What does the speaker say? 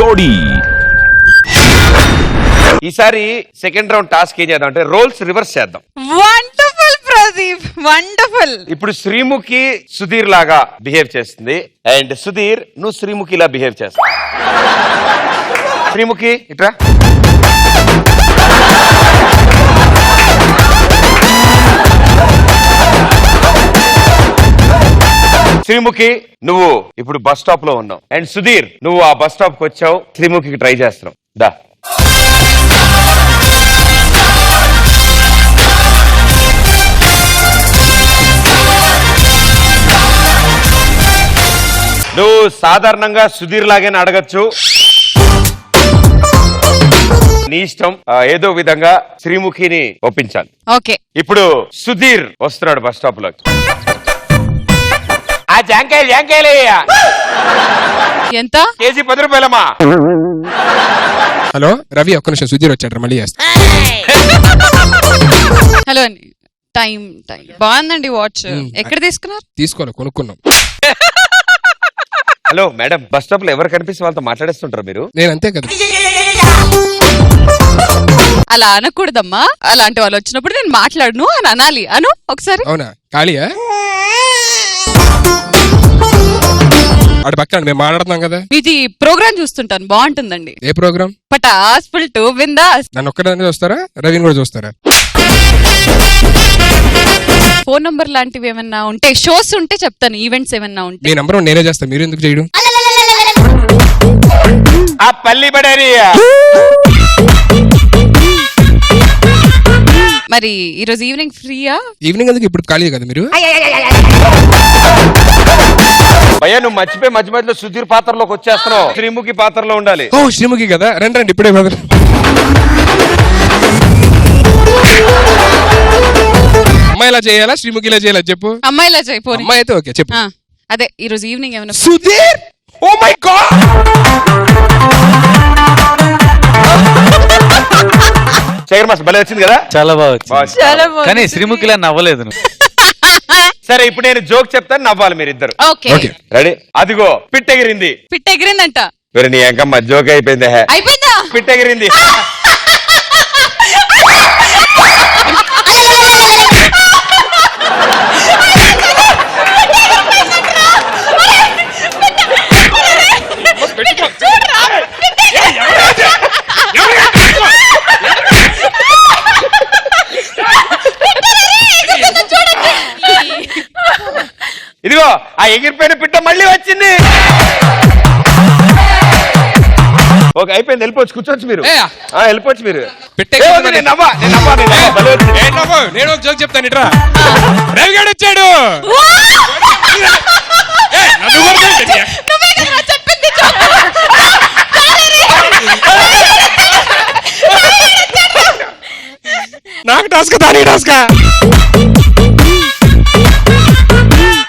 జోడీ. ఈసారి second round task ఏం చేద్దాం అంటే రోల్స్ రివర్స్ చేద్దాం. Wonderful Pradeep, wonderful. ఇప్పుడు శ్రీముఖి సుధీర్ లాగా బిహేవ్ చేస్తుంది అండ్ సుధీర్ నువ్వు శ్రీముఖిలా బిహేవ్ చేస్తావు. శ్రీముఖి ఇట్రా. శ్రీముఖి నువ్వు ఇప్పుడు బస్ స్టాప్ లో ఉన్నావు అండ్ సుధీర్ నువ్వు ఆ బస్ స్టాప్ కి వచ్చావు, శ్రీముఖికి ట్రై చేస్తున్నావు. దా నువ్వు సాధారణంగా సుధీర్ లాగానే అడగచ్చు, నీ ఇష్టం. ఏదో విధంగా శ్రీముఖిని ఒప్పించాలి. ఓకే, ఇప్పుడు సుధీర్ వస్తున్నాడు బస్ స్టాప్ లోకి. ఆ జాంకాయలు ఎంత? కేజీ 10 రూపాయలమ్మా. హలో రవి, ఒక్క నిమిషం, సుధీర్ వచ్చాడు, మళ్ళీ చేస్తా. హలో అండి. టైం బాగుందండి వాచ్. ఎక్కడ తీసుకున్నారు? తీసుకోవాలి, కొనుక్కున్నాం. హలో మేడం, బస్ స్టాప్ లో ఎవరు కనిపిస్తే వాళ్ళతో మాట్లాడేస్తుంటారు మీరు? నేను అంతే కదా. అలా అనకూడదమ్మా. అలాంటి వాళ్ళు వచ్చినప్పుడు నేను మాట్లాడను అని అనాలి. అను ఒకసారి. అవునా? ఖాళీయా? అటు పక్కన మేము మాట్లాడుతున్నాం కదా. ఇది ప్రోగ్రామ్ చూస్తుంటాను, బాగుంటుందండి. ఏ ప్రోగ్రామ్? పటాస్ ఫుల్ టు బిందాస్. నన్ను ఒక్కదాన్ని చూస్తారా, రవిని కూడా చూస్తారా? ఫోన్ నంబర్ లాంటివి ఏమన్నా ఉంటే, షోస్ ఉంటే చెప్తాను, ఈవెంట్స్ ఏమన్నా ఉంటే. మీ నంబర్ నేనే చేస్తాను, మీరు ఎందుకు చేయడం? ఆ పల్లి బడేరియా. మరి ఈరోజు ఈవినింగ్ ఫ్రీయా? ఈవినింగ్ ఎందుకు, ఇప్పుడు ఖాళీ కదా మీరు? భయ్యా నువ్వు మర్చిపోయి మధ్య మధ్యలో సుధీర్ పాత్రలోకి వచ్చేస్తున్నావు. శ్రీముఖి పాత్రలో ఉండాలి. ఓ శ్రీముఖి కదా, రండి రండి, ఇప్పుడే బదులు. అమ్మాయి ఇలా చేయాలా, శ్రీముఖి ఇలా చేయాలా చెప్పు. అమ్మాయిలా చేయపోని. అమ్మాయి అయితే ఓకే చెప్పు. అదే ఈరోజు ఈవినింగ్ ఏమైనా. Sudheer, oh my god, Sekhar mass భలే వచ్చింది కదా. చాలా బాగా వచ్చింది. చాలా బాగుంది. కానీ శ్రీముఖిలా నవ్వలేదు నువ్వు. సరే ఇప్పుడు నేను జోక్ చెప్తాను, నవ్వాలి మీరిద్దరు. Okay okay. రెడీ? అదిగో పిట్టెగిరింది. పిట్ట ఎగిరిందంట. మరి నీ ఎంకమ్మ జోక్ అయిపోయింది. అయిపోయిందా? పిట్టెగిరింది. ఇదిగో ఆ ఎగిరిపోయిన పిట్ట మళ్ళీ వచ్చింది. ఓకే అయిపోయింది, వెళ్ళిపోవచ్చు, కూర్చోవచ్చు మీరు. వెళ్ళిపోవచ్చు మీరు. నేను ఒక జోక్ చెప్తాను, ఇట్రా. రవి గారు వచ్చాడు. నాకు టాస్క్, దాని టాస్క్.